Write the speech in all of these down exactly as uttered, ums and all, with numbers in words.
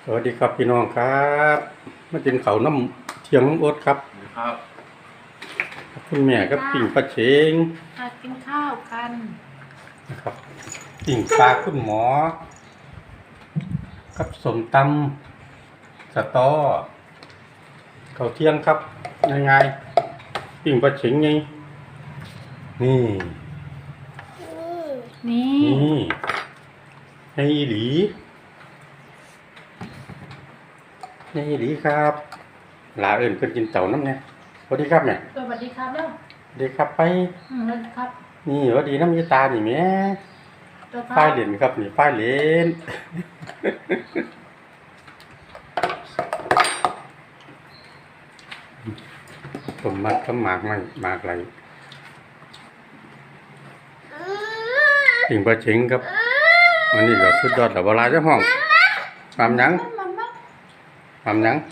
สวัสดีครับพี่น้องครับมากินข้าวน้ำเที่ยงน้ำอดครับครับคุณแม่ก็ปิ่งปลาเชงมากินข้าวกันนะครับปิ่งปลาคุณหมอกับสมตำสตอข้าวเที่ยงครับง่ายๆปิ่งปลาเชงไงนี่นี่นี่ให้หลีนี่หลีครับลาเอิญเพิ่นกินเต่าน้ำเนี่ยสวัสดีครับเนี่ยสวัสดีครับแล้วสวัสดีครับไปอืมแล้วครับนี่สวัสดีน้ำยาตานี่แม่ฝ้ายเหรียญครับนี่ฝ้ายเหรียญผมมัดก็หมากไม่หมากไรถึงประเชงครับวันนี้ก็สุดยอดแต่เวลาเจ้าห้องทำยังทำยัง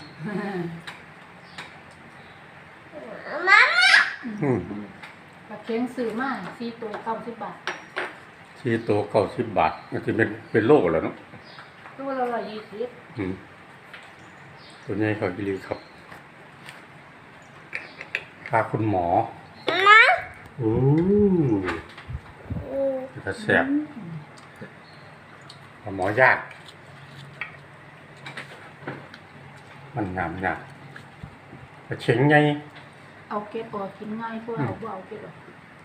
ปลาเค็งซื้อมาสี่ตัวเก้าสิบบาทสี่ตัวเก้าสิบบาทมันจะเป็นเป็นโลแล้วเนาะตัวละร้อยยี่สิบตัวนี้เขากิริครับพาคุณหมออู้จะแสบหมอยากมันงามงามกระเฉงไงเอาเกล็ดออกกินง่ายกว่าเอาบ่เอาเกล็ดออก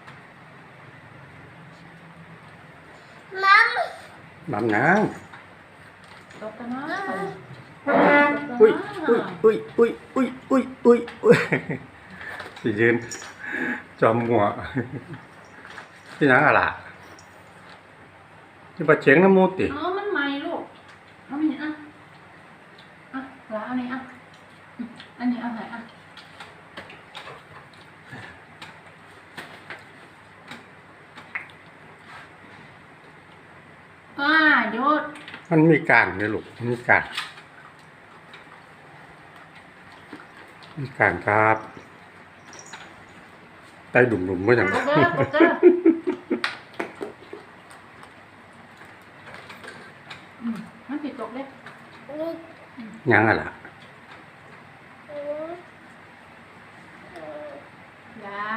น้ำน้ำน้ตกกันนะอุ้ยอุ้ยอุ้ยอุ้ยอุ้ยอุ้ยอุ้ยอุ้ยสิยืนจอมหัวที่นั่งอะไรที่ปลาเฉียงน้ำมูติอ๋อมันใหม่ลูกเอาอันนี้อ่ะอ่ะแล้วอันนี้อ่ะอันนี้เอาไหนอ่ะอ่าหยุดมันมีการเนี่ยลูกมีการมีการครับไตดุ่มๆไม่อย่างนั้นมันติดตกเลยยังอะไรยา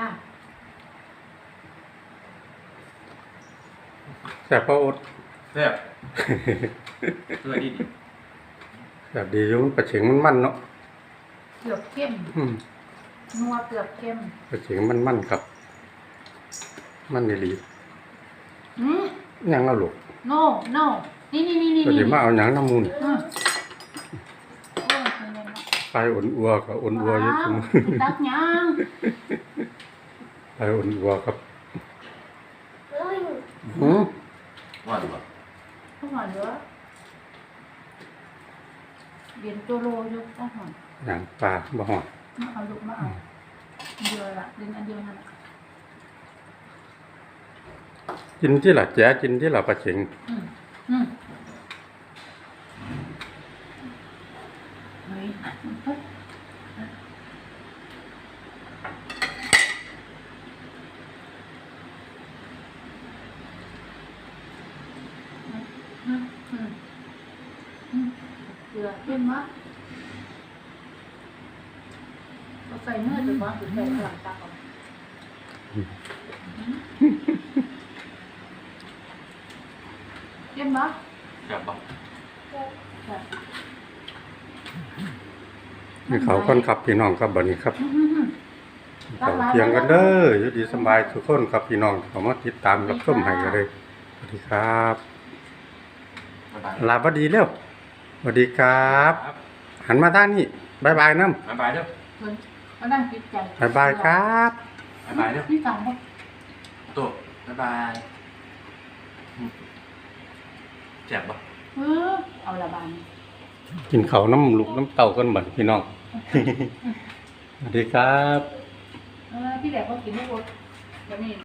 แซ่บพ่ออดแซ่บเพื่อดีดีแบบดีอยู่ปลาเฉียงมันมันเนาะเกือบเข้มนัวเกือบเข้มปลาเฉียงมันมันครับมันไม่รีอืมยังเอาลูก no no นี่นี่นี่นี่ก็จะมาเอาหนังน้ำมูลไปอุ่นอัวกับอุ่นอัวเยอะจังตักยังไปอุ่นอัวครับหืมว่าดีกว่าต้องหอนเยอะเรียนโจโลเยอะต้องหอนอย่างปลาบ่หอนมาเอาลูกมาเอาเดียวละเรียนอันเดียวนั่นกินที่หลักแจ๊กินที่หลักปลาเฉียงอืมอืมเฮ้ยเฮ้ยเกลือเข้มมากเราใส่เนื้อจะว่าหรือใส่หลังตาก่อนเข้มมากแซ่บปะนี่เขาคนขับพี่น้องครับบัดนี้ครับเขาเพียงกันเด้ออยู่ดีสบายทุกคนครับพี่น้องเขามาติดตามรับชมให้กันเลยสวัสดีครับลาบดีเร็วสวัสดีครับหันมาด้านนี้บายบายน้ำบายบายเด้อมานั่งคิดใจบายบายครับบายบายเด้อพี่ตังค์ตัวบายบายแซ่บปะเออเอาละบานกินเขาน้ำลูกน้ำเต่ากันเหมือนพี่น้องสวัสดีครับเออพี่แหลกเขากินไม่หมดวันนี้